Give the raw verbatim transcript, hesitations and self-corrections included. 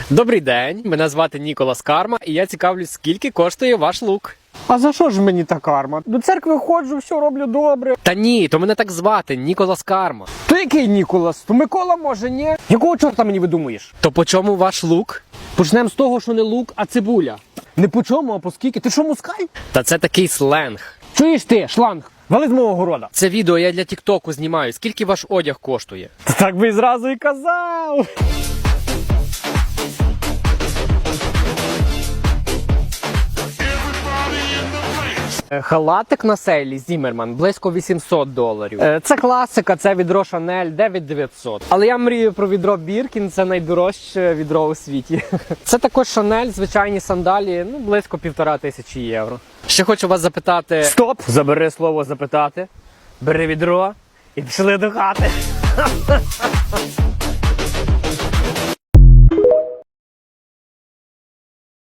Добрий день, мене звати Ніколас Карма, і я цікавлюсь, скільки коштує ваш лук. А за що ж мені та карма? До церкви ходжу, все роблю добре. Та ні, то мене так звати, Ніколас Карма. То який Ніколас? То Микола може, ні? Якого чорта мені видумуєш? То по чому ваш лук? Почнемо з того, що не лук, а цибуля. Не по чому, а по скільки. Ти що, мускай? Та це такий сленг. Чуєш ти, шланг? Вали з мого города. Це відео я для тіктоку знімаю. Скільки ваш одяг коштує? Та так би і зразу і казав. Е, Халатик на сейлі Зіммерман близько вісімсот доларів. Е, Це класика, це відро Шанель дев'ять дев'ятсот. Але я мрію про відро Біркін, це найдорожче відро у світі. Це також Шанель, звичайні сандалії, ну близько півтора тисячі євро. Ще хочу вас запитати. Стоп! Забери слово запитати, бери відро і пішли до хати.